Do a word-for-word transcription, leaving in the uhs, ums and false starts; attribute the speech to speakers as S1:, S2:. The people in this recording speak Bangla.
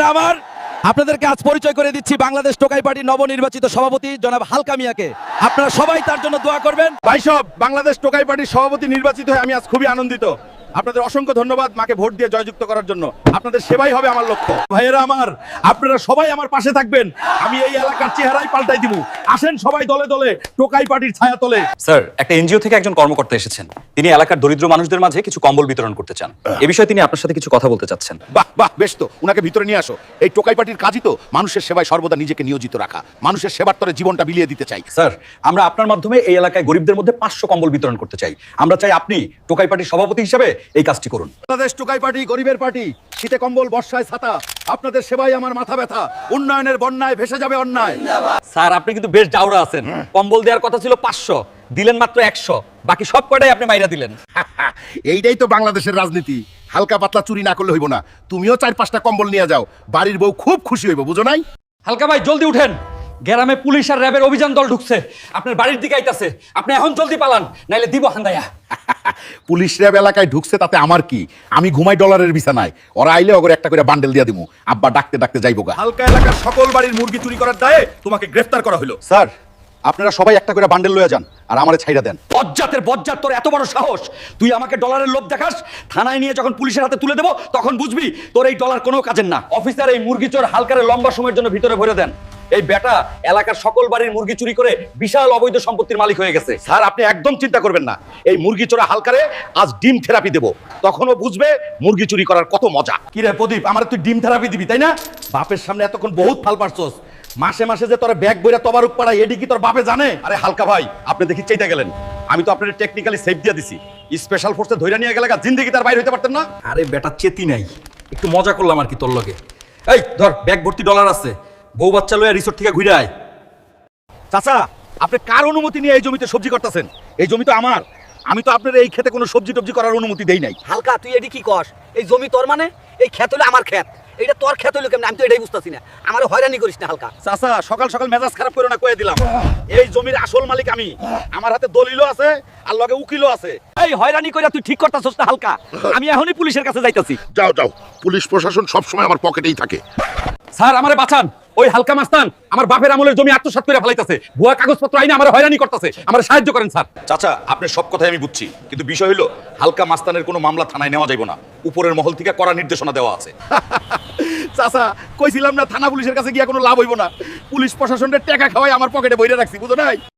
S1: আমার, আপনাদেরকে আজ পরিচয় করে দিচ্ছি বাংলাদেশ টোকাই পার্টির নবনির্বাচিত সভাপতি জনাব হালকা মিয়াকে। আপনারা সবাই তার জন্য দোয়া করবেন।
S2: ভাই সব, বাংলাদেশ টোকাই পার্টির সভাপতি নির্বাচিত হয়ে আমি আজ খুবই আনন্দিত। আপনাদের অসংখ্য ধন্যবাদ মাকে ভোট দিয়ে জয়যুক্ত করার জন্য। আপনাদের সেবাই হবে আমার লক্ষ্য। ভাইয়েরা আমার, আপনারা সবাই আমার পাশে থাকবেন। আমি এই এলাকার চেহারাই পাল্টাই দিব। আসেন সবাই দলে দলে টোকাই পার্টির ছায়া তলে।
S3: স্যার, একটা এনজিও থেকে একজন কর্মকর্তা এসেছেন। তিনি এলাকার দরিদ্র মানুষদের মাঝে কিছু কম্বল বিতরণ করতে চান। এ বিষয়ে তিনি আপনার সাথে কিছু কথা বলতে চাচ্ছেন।
S2: বাহ বাহ, বেশ তো, উনাকে ভিতরে নিয়ে আসো। এই টোকাই পার্টির কাজই তো মানুষের সেবায় সর্বদা নিজেকে নিয়োজিত রাখা, মানুষের সেবার তরে জীবনটা বিলিয়ে দিতে চাই।
S3: স্যার, আমরা আপনার মাধ্যমে এই এলাকায় গরিবদের মধ্যে পাঁচশো কম্বল বিতরণ করতে চাই। আমরা চাই আপনি টোকাই পার্টির সভাপতি হিসেবে এই কাজটি করুন।
S2: বাংলাদেশ টোকাই পার্টি গরিবের পার্টি, শীতে কম্বল বর্ষায় ছাতা, আপনাদের সেবাই আমার মাথা ব্যথা। উন্নয়নের বন্যায় ভেসে যাবে অন্যায়।
S3: স্যার, আপনি কিন্তু বেশ জাউরা আছেন। কম্বল দেওয়ার কথা ছিল পাঁচশো, দিলেন মাত্র একশো, বাকি সব কয়টাই আপনি মাইরা দিলেন।
S2: এইটাই তো বাংলাদেশের রাজনীতি। হালকা পাতলা চুরি না করলে হইব না। তুমিও চার পাঁচটা কম্বল নিয়ে যাও, বাড়ির বউ খুব খুশি হইব, বুঝো নাই?
S3: হালকা ভাই, জলদি উঠেন। গ্রামে পুলিশ আর র্যাবের অভিযান দল ঢুকছে, আপনার বাড়ির দিকে আইতাছে। আপনি এখন জলদি পালান, নাইলে দিব হান্দায়া।
S2: পুলিশ র্যাব এলাকায় ঢুকছে তাতে আমার কি? আমি ঘুমাই ডলারের বিছানায়। ওরা আইলে ওগরে একটা করে বান্ডেল দিয়া দিমু। আব্বা ডাকতে ডাকতে যাইবো গা। হালকা এলাকার সকল বাড়ির মুরগি চুরি করার দায়ে তোমাকে গ্রেফতার করা হলো। স্যার, আপনারা সবাই একটা করে বান্ডেল লয়ে যান আর আমারে ছাইড়া দেন।
S3: বজ্জাতের বজ্জাত, তোর এত বড় সাহস! তুই আমাকে ডলারের লোভ দেখাস? থানায় নিয়ে যখন পুলিশের হাতে তুলে দেবো তখন বুঝবি তোর এই ডলার কোনো কাজের না। অফিসার, এই মুরগি চোর হালকারে লম্বা সময়ের জন্য ভিতরে ভরে দেন। এই বেটা এলাকার সকল বাড়ির মুরগি চুরি করে বিশাল অবৈধ সম্পত্তির মালিক হয়ে গেছে।
S2: স্যার, আপনি একদম চিন্তা করবেন না। এই মুরগি চোরা হালকারে আজ ডিম থেরাপি দেবো, তখনও বুঝবে মুরগি চুরি করার কত মজা। কি রে প্রদীপ, আমার তুই ডিম থেরাপি দিবি তাই না? বাপের সামনে এতক্ষণ বহুত ফাল পারছস। মাসে মাসে যে তোর ব্যাগ বইরা তবারুক পাড়া, এডি কি তোর বাপে জানে? আরে হালকা ভাই, আপনি দেখি চাইতে গেলেন। আমি তো আপনার টেকনিক্যালি সেফ দিয়ে দিছি। স্পেশাল ফোর্সে ধইরা নিয়ে গেলে জিন্দেগি তার বাইরে হইতে পারতেন না।
S3: আরে বেটা, চেতি নাই, একটু মজা করলাম আর কি তোর লগে। এই ধর, ব্যাগ ভর্তি ডলার আছে, বউ বাচ্চা লইয়া রিসোর্ট থেকে ঘুরে আয়।
S2: চাচা, আপনি কার অনুমতি নিয়ে এই জমিতে সবজি করতেছেন? এই জমি তো আমার। আমি তো আপনার এই খেতে কোনো সবজি টবজি করার অনুমতি দেই নাই।
S4: হালকা, তুই এডি কি কস? এই জমি তোর মানে? এই ক্ষেত হলো আমার ক্ষেত, এইটা তোর ক্ষেত হলো কেমন? আমি তো এটাই বুঝতেছি না। আমার হয়রানি করিস না হালকা।
S2: চাচা, সকাল সকাল মেজাজ খারাপ করে না কয়ে দিলাম। এই জমির আসল মালিক আমি। আমার হাতে দলিলও আছে আর লগে উকিলও আছে।
S3: এই হয়রানি কইরা তুই ঠিক করতাছস না হালকা? আমি এখনই পুলিশের কাছে যাইতাছি।
S5: যাও যাও, পুলিশ প্রশাসন সবসময় আমার পকেটেই থাকে।
S3: স্যার, আমারে বাঁচান। ওই হালকা মাস্তান আমার বাপের আমলের জমি আত্মসাৎ করে ফেলাইতাছে, ভুয়া কাগজপত্র আইনে আমার হয়রানি করতেছে। আমার সাহায্য করেন স্যার।
S2: চাচা, আপনার সব কথাই আমি বুঝছি, কিন্তু বিষয় হলো হালকা মাস্তানের কোনো মামলা থানায় নেওয়া যাইব না। উপরের মহল থেকে কড়া নির্দেশনা দেওয়া আছে। চাচা, কইছিলাম না থানা পুলিশের কাছে গিয়া কোনো লাভ হইব না। পুলিশ প্রশাসনের টাকা খাওয়াই আমার পকেটে বইরে রাখছি, বুঝো নাই?